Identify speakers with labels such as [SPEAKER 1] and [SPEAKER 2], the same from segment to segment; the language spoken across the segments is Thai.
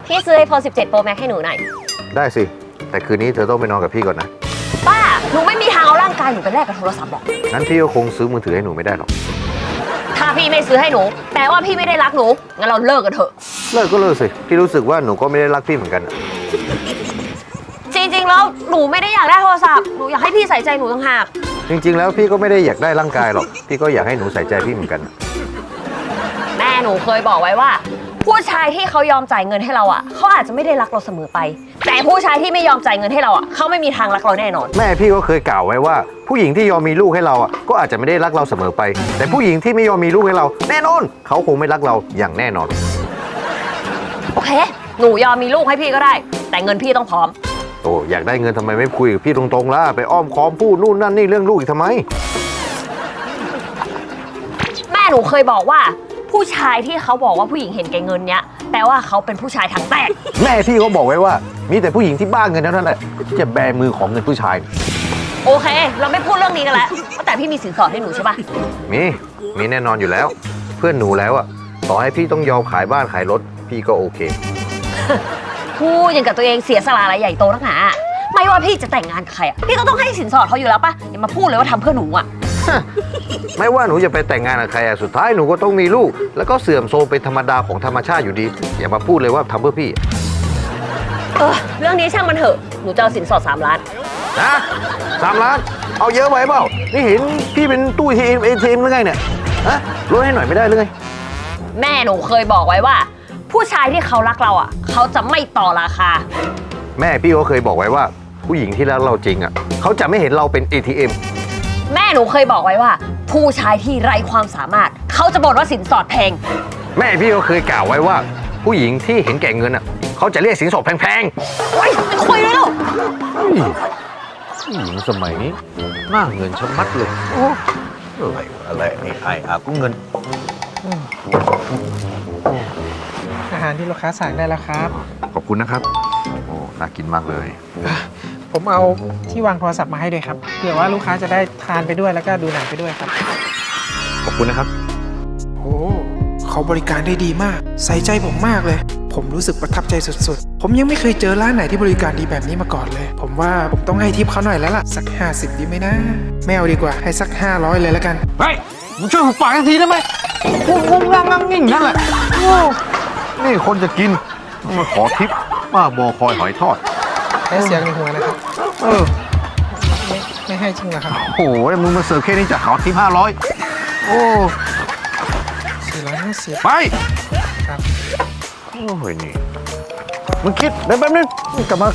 [SPEAKER 1] พี่ซื้อ iPhone 17 Pro Max ให้หนูหน่อย
[SPEAKER 2] ได้สิแต่คืนนี้เธอต้องไปนอนกับพี่ก่อนนะ
[SPEAKER 1] ป้าหนูไม่มีทางเอาร่างกายหนูไปแลกกับโทรศัพท์หรอก
[SPEAKER 2] งั้นพี่ก็คงซื้อมือถือให้หนูไม่ได้หรอก
[SPEAKER 1] ถ้าพี่ไม่ซื้อให้หนูแปลว่าพี่ไม่ได้รักหนูงั้นเราเลิกกันเถอะ
[SPEAKER 2] เลิกก็เลิกสิพี่รู้สึกว่าหนูก็ไม่ได้รักพี่เหมือนกัน
[SPEAKER 1] จริงๆแล้วหนูไม่ได้อยากได้โทรศัพท์หนูอยากให้พี่ใส่ใจหนูต่างหาก
[SPEAKER 2] จริงๆแล้วพี่ก็ไม่ได้อยากได้ร่างกายหรอกพี่ก็อยากให้หนูใส่ใจพี่เหมือนกัน
[SPEAKER 1] แม่หนูเคยบอกไว้ว่าผู้ชายที่เขายอมจ่ายเงินให้เราอ่ะเขาอาจจะไม่ได้รักเราเสมอไปแต่ผู้ชายที่ไม่ยอมจ่ายเงินให้เราอ่ะเขาไม่มีทางรักเราแน่นอน
[SPEAKER 2] แม่พี่ก็เคยกล่าวไว้ว่าผู้หญิงที่ยอมมีลูกให้เราอ่ะก็อาจจะไม่ได้รักเราเสมอไปแต่ผู้หญิงที่ไม่ยอมมีลูกให้เราแน่นอนเขาคงไม่รักเราอย่างแน่นอน
[SPEAKER 1] โอเคหนูยอมมีลูกให้พี่ก็ได้แต่เงินพี่ต้องพร้อม
[SPEAKER 2] โอ้อยากได้เงินทำไมไม่คุยกับพี่ตรงๆล่ะไปอ้อมค้อมพูดนู่นนั่นนี่เรื่องลูกอีกทำไม
[SPEAKER 1] แม่หนูเคยบอกว่าผู้ชายที่เขาบอกว่าผู้หญิงเห็นแก่เงินเนี้ยแปลว่าเขาเป็นผู้ชายถังแตก
[SPEAKER 2] แม่พี่เขาบอกไว้ว่ามีแต่ผู้หญิงที่บ้าเงินเท่านั้นแหละที่จะแบมือของเงินผู้ชาย
[SPEAKER 1] โอเคเราไม่พูดเรื่องนี้กันแล้วแต่พี่มีสินสอดให้หนูใช่ปะ
[SPEAKER 2] มีแน่นอนอยู่แล้วเพื่อนหนูแล้วอ่ะต่อให้พี่ต้องยอมขายบ้านขายรถพี่ก็โอเค
[SPEAKER 1] พูดอย่างกับตัวเองเสียสละอะไรใหญ่โตนักหนาไม่ว่าพี่จะแต่งงานกับใครอ่ะพี่ก็ต้องให้สินสอดเขาอยู่แล้วปะอย่ามาพูดเลยว่าทำเพื่อหนูอ่ะ
[SPEAKER 2] ไม่ว่าหนูจะไปแต่งงานกับใครสุดท้ายหนูก็ต้องมีลูกแล้วก็เสื่อมโทรมเป็นธรรมดาของธรรมชาติอยู่ดีอย่ามาพูดเลยว่าทำเพื่อพี่
[SPEAKER 1] เรื่องนี้ช่างมันเถอะหนูจะเอาสินสอด3 ล้าน
[SPEAKER 2] นะ3 ล้านเอาเยอะไปเปล่านี่เห็นพี่เป็นตู้ATMหรือไงเนี่ยฮะลดให้หน่อยไม่ได้เลย
[SPEAKER 1] แม่หนูเคยบอกไว้ว่าผู้ชายที่เขารักเราอ่ะเขาจะไม่ต่อราคา
[SPEAKER 2] แม่พี่ก็เคยบอกไว้ว่าผู้หญิงที่รักเราจริงอ่ะเขาจะไม่เห็นเราเป็น ATM
[SPEAKER 1] แม่หนูเคยบอกไว้ว่าผู้ชายที่ไร้ความสามารถเขาจะบ่นว่าสินสอดแพง
[SPEAKER 2] แม่พี่ก็เคยกล่าวไว้ว่าผู้หญิงที่เห็นแก่เงินอ่ะเขาจะเรียกสินสอดแพง
[SPEAKER 1] ๆโอ๊ยไม่คุยเลยลูก
[SPEAKER 2] ผู้หญิงสมัยนี้หน้าเงินชะมัดเลยอะไรนี่ไอ้อากุ้งเงิน
[SPEAKER 3] อาหารที่ลูกค้าสั่งได้แล้วครับ
[SPEAKER 2] ขอบคุณนะครับโอ้น่ากินมากเลย
[SPEAKER 3] ผมเอาที่วางโทรศัพท์มาให้ด้วยครับเผื่อว่าลูกค้าจะได้ทานไปด้วยแล้วก็ดูหนังไปด้วยครับ
[SPEAKER 2] ขอบคุณนะครับ
[SPEAKER 3] โอ้เขาบริการได้ดีมากใส่ใจผมมากเลยผมรู้สึกประทับใจสุดๆผมยังไม่เคยเจอร้านไหนที่บริการดีแบบนี้มาก่อนเลยผมว่าผมต้องให้ทิปเขาหน่อยแล้วล่ะสัก50ดีไหมนะไม่เอาดีกว่าให้สัก500เลยแล้วกัน
[SPEAKER 2] เฮ้ยมึงช่วยหุบปากทีได้ไหมพูดงงงั่งงิ่งนั่นแหละนี่คนจะกินมาขอทิปว่าบอคอยหอยทอด
[SPEAKER 3] ให้เสียงในหัวนะครับไม่ให้จริงเหรอครับ
[SPEAKER 2] โอ้โหมึงมาเสิร์ฟแค่นี้จะขอทิป500โอ้
[SPEAKER 3] 450
[SPEAKER 2] ไป
[SPEAKER 3] ครับ
[SPEAKER 2] โอ้ยนี่มึงคิดแป๊บนึงกลับมา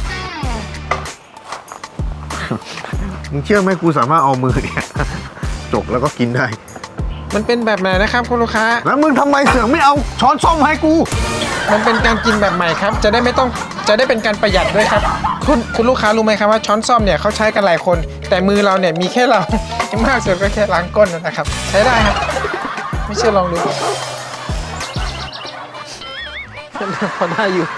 [SPEAKER 2] มึงเชื่อไหมกูสามารถเอามือเนี่ยจกแล้วก็กินได้
[SPEAKER 3] มันเป็นแบบไหนนะครับคุณลูกค้า
[SPEAKER 2] แล้วมึงทำไมเสือกไม่เอาช้อนส้อมให้กู
[SPEAKER 3] มันเป็นการกินแบบใหม่ครับจะได้เป็นการประหยัดด้วยครับคุณลูกค้ารู้ไหมครับว่าช้อนส้อมเนี่ยเขาใช้กันหลายคนแต่มือเราเนี่ยมีแค่เรามากสุดก็แค่ล้างก้นนะครับใช้ได้ครับไม่เชื่อลองดูพอได้อยู่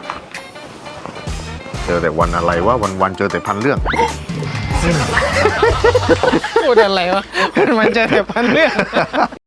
[SPEAKER 2] เจอแต่วันอะไรวะวันเจอแต่พันเรื่อง
[SPEAKER 3] พูดอะไรวะมันเจอแต่พันเรื่อง